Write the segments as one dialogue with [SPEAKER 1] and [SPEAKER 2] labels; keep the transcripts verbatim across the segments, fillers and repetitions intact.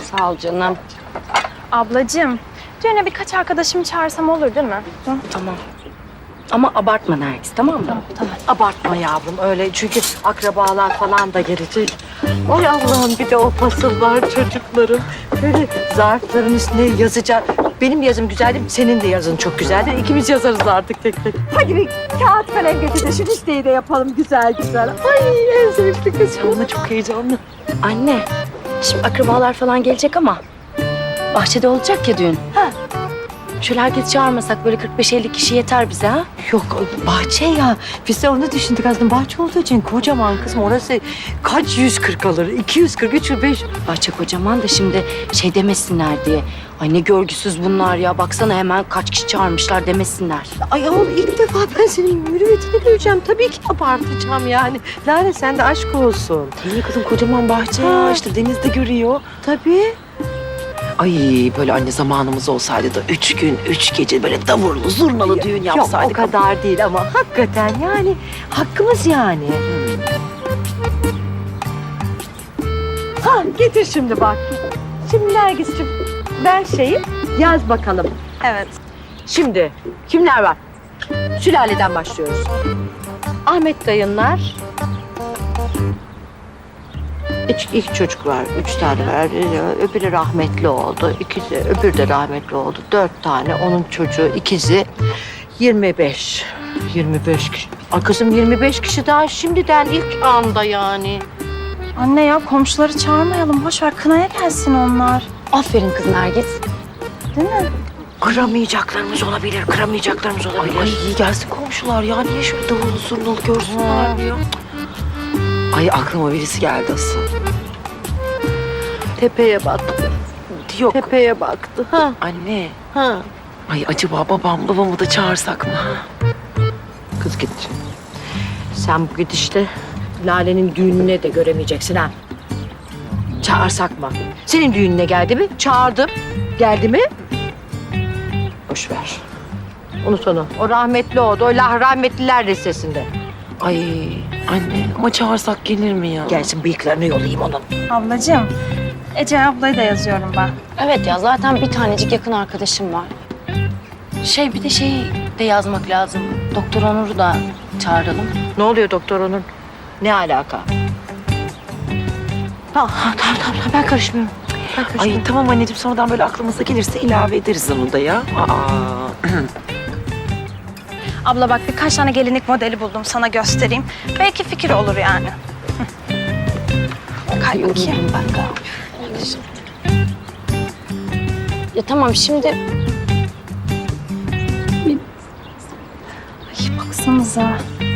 [SPEAKER 1] Sağ ol canım.
[SPEAKER 2] Ablacığım, düğüne birkaç arkadaşımı çağırsam olur değil mi? Hı?
[SPEAKER 1] Tamam. Ama abartma Nergis, tamam mı?
[SPEAKER 2] Tamam, tamam.
[SPEAKER 3] Abartma yavrum öyle çünkü akrabalar falan da gelecek. Ay Allah'ım bir de o fasıllar çocuklarım. Böyle zarfların üstüne yazacağım. Benim yazım güzel değil mi? Senin de yazın çok güzeldir. İkimiz yazarız artık tek tek. Hadi bir kağıt kalem getir de şu listeyi de yapalım güzel güzel. Ay en sevimli kızım. Ama çok heyecanlı.
[SPEAKER 1] Anne, şimdi akrabalar falan gelecek ama bahçede olacak ya düğün.
[SPEAKER 3] Ha.
[SPEAKER 1] Şöyle herkes çağırmasak böyle kırk beş elli kişi yeter bize ha?
[SPEAKER 3] Yok bahçe ya. Biz de onu düşündük aslında. Bahçe olduğu için kocaman kızım. Orası kaç yüz kırk alır? iki yüz kırk, üç yüz beş.
[SPEAKER 1] Bahçe kocaman da şimdi şey demesinler diye. Ay ne görgüsüz bunlar ya. Baksana hemen kaç kişi çağırmışlar demesinler.
[SPEAKER 3] Ay oğlum ilk defa ben senin mürüvvetini göreceğim. Tabii ki abartacağım yani. Lale sen de aşk olsun.
[SPEAKER 4] İyi kızım kocaman bahçe
[SPEAKER 3] Ha.
[SPEAKER 4] ya işte denizde görüyor.
[SPEAKER 3] Tabii.
[SPEAKER 4] Ay böyle anne zamanımız olsaydı da üç gün, üç gece böyle davurlu, zurnalı düğün
[SPEAKER 3] Yok
[SPEAKER 4] yapsaydık.
[SPEAKER 3] o kadar değil ama hakikaten yani hakkımız yani. Ha getir şimdi bak. Şimdi Nergis'ciğim ver şeyi yaz bakalım.
[SPEAKER 2] Evet.
[SPEAKER 3] Şimdi kimler var? Sülaleden başlıyoruz. Ahmet dayınlar. İlk, ilk çocuk var, üç tane var. Öbürü rahmetli oldu, ikizi, öbürü de rahmetli oldu. Dört tane, onun çocuğu, ikizi. Yirmi beş. Yirmi beş kişi. Ay kızım yirmi beş kişi daha şimdiden ilk anda yani.
[SPEAKER 2] Anne ya komşuları çağırmayalım. Boş ver kınaya gelsin onlar.
[SPEAKER 1] Aferin kız Nergis.
[SPEAKER 2] Değil mi?
[SPEAKER 3] Kıramayacaklarımız olabilir, kıramayacaklarımız olabilir.
[SPEAKER 4] Ay iyi gelsin komşular ya. Niye şöyle davullu zurnalı görsünler diyor. Ay aklıma birisi geldi asıl.
[SPEAKER 3] Tepeye baktı.
[SPEAKER 4] Yok
[SPEAKER 3] Tepeye baktı. Ha,
[SPEAKER 4] anne.
[SPEAKER 3] ha.
[SPEAKER 4] Ay acaba babam babamı da çağırsak mı?
[SPEAKER 3] Kız git. Sen bu gidişte Lale'nin düğününe de göremeyeceksin ha. Çağırsak mı? Senin düğününe geldi mi? Çağırdım. Geldi mi? Boş ver. Unut onu. O rahmetli oldu. O lah rahmetliler listesinde.
[SPEAKER 4] Ay anne ama çağırsak gelir mi ya?
[SPEAKER 3] Gelsin bıyıklarını yolayayım onun.
[SPEAKER 2] Ablacığım, Ece ablayı da yazıyorum ben.
[SPEAKER 1] Evet ya zaten bir tanecik yakın arkadaşım var. Şey bir de şey de yazmak lazım. Doktor Onur'u da çağıralım.
[SPEAKER 3] Ne oluyor doktor onun? Ne alaka? Tamam, tamam, tamam, tamam. Ben karışmıyorum. Ben karışmıyorum.
[SPEAKER 4] Ay tamam anneciğim sonradan böyle aklımıza gelirse ilave ederiz onu da ya. Aa.
[SPEAKER 2] Abla bak birkaç tane gelinlik modeli buldum sana göstereyim. Belki fikir olur yani. Hı. Kay bakayım.
[SPEAKER 1] Ben de. Ya tamam şimdi
[SPEAKER 2] Ay baksanıza.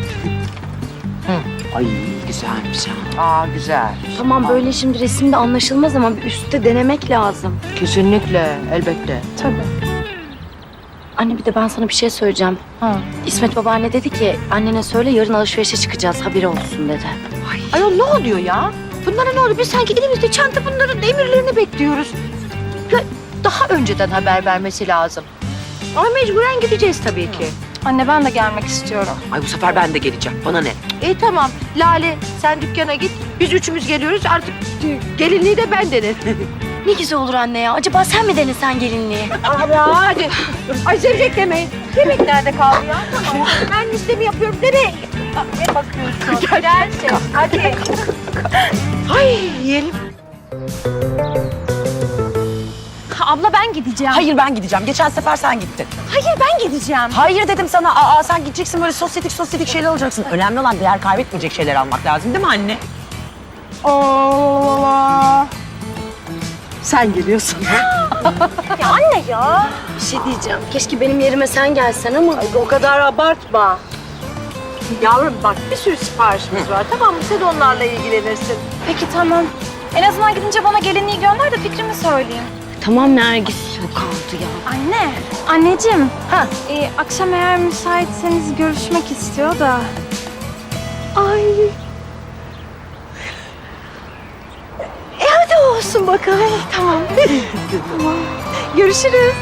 [SPEAKER 4] Ay güzelmiş ha.
[SPEAKER 3] Aa güzel.
[SPEAKER 1] tamam böyle şimdi resimde anlaşılmaz ama bir üstte denemek lazım.
[SPEAKER 3] Kesinlikle, elbette.
[SPEAKER 2] Tabii.
[SPEAKER 1] Anne bir de ben sana bir şey söyleyeceğim.
[SPEAKER 2] Ha.
[SPEAKER 1] İsmet babaanne dedi ki annene söyle yarın alışverişe çıkacağız haberi olsun dedi.
[SPEAKER 3] Ayol ne oluyor ya? Bunlara ne oluyor? Biz sanki elimizde çanta bunların emirlerini bekliyoruz. Ya, daha önceden haber vermesi lazım. Ama mecburen gideceğiz tabii ki.
[SPEAKER 2] Anne ben de gelmek istiyorum.
[SPEAKER 4] Ay bu sefer ben de geleceğim. Bana ne?
[SPEAKER 3] İyi tamam. Lale sen dükkana git. Biz üçümüz geliyoruz. Artık gelinliği de ben denerim.
[SPEAKER 1] Ne güzel olur anne ya. Acaba sen mi denesen gelinliği?
[SPEAKER 3] Abi hadi. Ay sevecek demeyin. Yemek nerede kaldı ya? Tamam. Ben listemi yapıyorum. Nereye? Aa, Ne bakıyorsun? Gelsin. Hadi. Ay yiyelim.
[SPEAKER 2] Abla ben gideceğim.
[SPEAKER 5] Hayır ben gideceğim. Geçen sefer sen gittin.
[SPEAKER 2] Hayır ben gideceğim.
[SPEAKER 5] Hayır dedim sana. Aa sen gideceksin böyle sosyetik sosyetik şeyler alacaksın. Önemli olan değer kaybetmeyecek şeyler almak lazım değil mi anne?
[SPEAKER 2] Allah.
[SPEAKER 3] Sen geliyorsun.
[SPEAKER 2] Ya anne ya.
[SPEAKER 1] Bir şey diyeceğim. Keşke benim yerime sen gelsen ama.
[SPEAKER 3] O kadar abartma. Yavrum bak bir sürü siparişimiz var. Tamam mı? Sen onlarla ilgilenirsin.
[SPEAKER 2] Peki tamam. En azından gidince bana gelinliği gönder de fikrimi söyleyeyim.
[SPEAKER 1] Tamam Nergis. Yok aldı ya.
[SPEAKER 2] Anne, anneciğim.
[SPEAKER 3] Ha.
[SPEAKER 2] Ee, akşam eğer müsaitseniz görüşmek istiyor da.
[SPEAKER 3] Ay. E hadi olsun bakalım.
[SPEAKER 2] Tamam. tamam. Görüşürüz.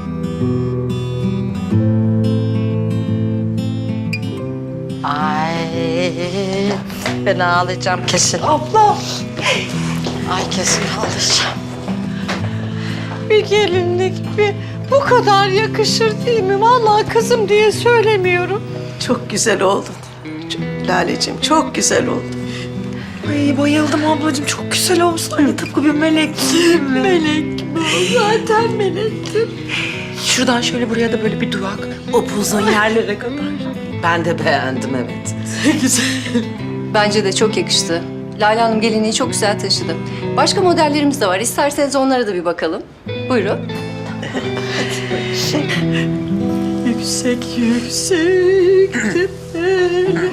[SPEAKER 3] Ay Ben ağlayacağım kesin.
[SPEAKER 4] Abla.
[SPEAKER 3] Ay kesin ağlayacağım.
[SPEAKER 4] Bir gelinlik bir bu kadar yakışır değil mi? Vallahi kızım diye söylemiyorum.
[SPEAKER 6] Çok güzel oldun. Çok, Laleciğim çok güzel oldun.
[SPEAKER 5] Ay bayıldım ablacığım. Çok güzel olmuş. Aynı tıpkı bir melek.
[SPEAKER 6] Melek bu. Zaten melektim.
[SPEAKER 5] Şuradan şöyle buraya da böyle bir duvak. Upuzun yerlere kadar.
[SPEAKER 6] Ben de beğendim evet. Güzel.
[SPEAKER 7] Bence de çok yakıştı. Lale Hanım gelinliği çok güzel taşıdı. Başka modellerimiz de var. İsterseniz onlara da bir bakalım. Buyurun.
[SPEAKER 6] Yüksek yüksek tepeler.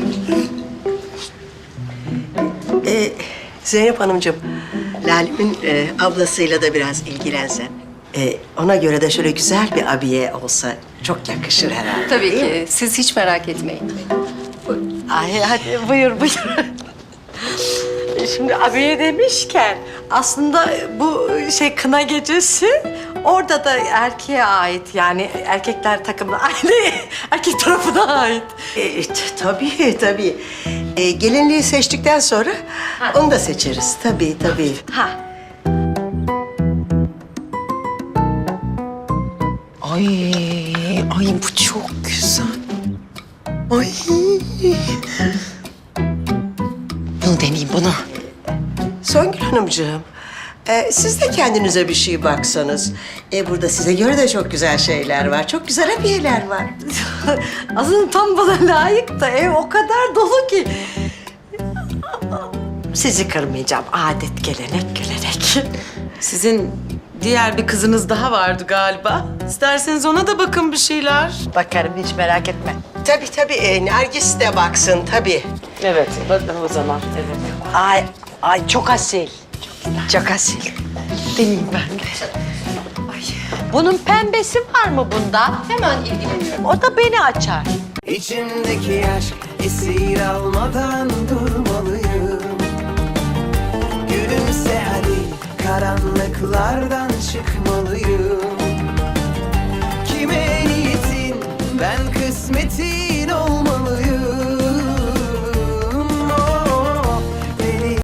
[SPEAKER 8] Ee, Zeynep Hanımcığım, Lale'min e, ablasıyla da biraz ilgilensen. Ee, ona göre de şöyle güzel bir abiye olsa çok yakışır herhalde.
[SPEAKER 7] Tabii
[SPEAKER 8] değil mi?
[SPEAKER 7] ki. Siz hiç merak etmeyin.
[SPEAKER 3] Ay hadi buyur buyur. Şimdi abiye demişken aslında bu şey kına gecesi orada da erkeğe ait yani erkekler takımına aynı erkek tarafına ait.
[SPEAKER 8] Ee, t- tabii tabii. Ee, gelinliği seçtikten sonra onu da seçeriz. Tabii tabii.
[SPEAKER 3] Ha.
[SPEAKER 5] Ay, ay bu çok güzel. Ay. Bunu deneyeyim bunu.
[SPEAKER 8] Songül Hanımcığım, e, siz de kendinize bir şey baksanız. E, burada size göre de çok güzel şeyler var. Çok güzel abiyeler var.
[SPEAKER 3] Aslında tam bana layık da ev o kadar dolu ki. Sizi kırmayacağım. Adet, gelenek, görenek.
[SPEAKER 6] Sizin diğer bir kızınız daha vardı galiba. İsterseniz ona da bakın bir şeyler.
[SPEAKER 3] Bakarım hiç merak etme.
[SPEAKER 8] Tabii tabii, e, Nergis de baksın tabii.
[SPEAKER 6] Evet, bakın o zaman. Evet.
[SPEAKER 3] Ay, ay çok asil. Çok asil.
[SPEAKER 6] Deneyeyim ben de.
[SPEAKER 3] Bunun pembesi var mı bunda?
[SPEAKER 7] Hemen ilgileniyorum.
[SPEAKER 3] O da beni açar.
[SPEAKER 9] İçimdeki aşk esir almadan durmalıyım. Gülümse hadi, karanlıklardan çıkmalıyım. Kime niyetin, ben kısmetin